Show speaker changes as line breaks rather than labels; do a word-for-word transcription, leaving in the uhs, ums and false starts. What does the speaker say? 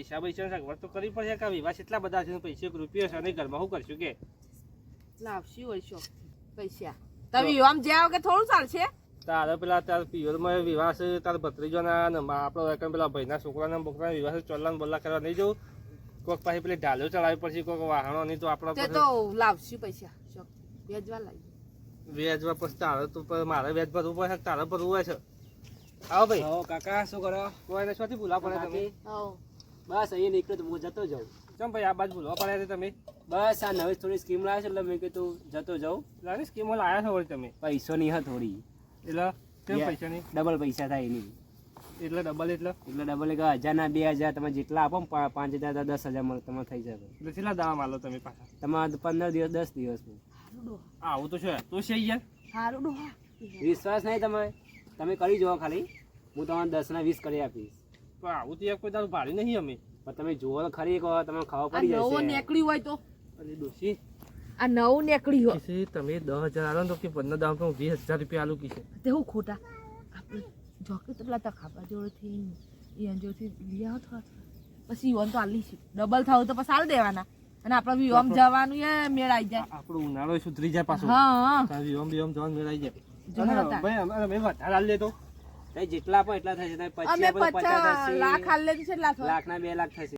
પૈસા પૈસા સગવડ તો કરવી પડશે કે વિવાહ એટલા બધા છે પૈસા એક રૂપિયો છે અને ઘરમાં શું કરશું કે
લાવશી હોય છો પૈસા તમે આમ જાવ કે થોડું ચાલશે
તારે પેલા તાર પિયરમાં વિવાહ છે તાર ભત્રીજોના ને આપણો એકમ પેલા ભાઈના છોકરાના બોકરાના વિવાહ છે ચોલ્લાને બોલ્લા કરવા નહીં જવું કોઈક પાસે પેલી ઢાલો ચડાવી પડશે કોઈક વાહણો નહીં તો આપણે
તે તો લાવશી પૈસા શોખ વેચવા લાવી
વેચવા પછી તારે તો મારે વેચ ભરવું પડે તારે ભરવું હોય છે આવો ભાઈ
હો કાકા શું કરો
કોઈને શોથી ભૂલા પડે તમે
હવ
બસ અહીંયા નીકળ્યો તો હું જતો જાઉં
ચમ ભાઈ આ બાજુ ભૂલવા પડ્યા છે તમે
બસ આ નવી થોડી સ્કીમ લાવે છે એટલે મેં કીધું જતો જાઉં
લાની સ્કીમો લાયા છો વળી તમે
પૈસો ની હા થોડી
એટલે કેમ પૈસા નહીં
ડબલ પૈસા થાય એની
એટલે ડબલ એટલે
એટલે ડબલ એક હજાર ના બે હજાર તમે જેટલા આપો ને પા- પાંચ હજાર તો દસ હજાર મળે તમારે થઈ જાય
એટલે કેટલા દાવા માલો તમે પાછા
તમારે પંદર દિવસ દસ દિવસનું
હારું ડોહા
આવું તો છે તો છે યાર
હારું ડોહા
વિશ્વાસ નહીં તમે તમે કરી જુઓ ખાલી હું તમને દસ ના વીસ કરી આપીશ
પણ આવું તો યાર કોઈ દારૂ ભાડી નહીં અમે
પણ તમે જુઓ તો ખરી કહો તમને ખબર
આ
પડી
નવો
જશે
નીકળ્યું હોય તો
અરે ડોશી
આ નવું નીકળ્યું હોય
કિસે તમે દસ હજાર આલો ને તો કે પંદર દાવ તો વીસ હજાર રૂપિયા આલું કિસે
તે હું ખોટા આપણે જોકે તો પેલા તખાપા જોડેથી ઈયન જોડેથી લઈ આવો થોડા થોડા પછી ઈવન તો આલી છે ડબલ થાવ તો પછી આલ દેવાના અને આપણે વિવામ જવાનું એ મેળ આવી જાય
આપણો ઉનાળો સુધરી જાય પાછો
હા
તાર વિવામ વિવામ જવાનું મેળાઈ જાય
જવા
અને ભાઈ અમે અમે વધારે આલી લેતો
તમે જેટલા આપો એટલા થશે તમે પચીસ
અમે
આપો તો પચાસ
પચાસ
થશે
લાખ હાલ લેતી છે લાખ
લાખ ના બે લાખ થશે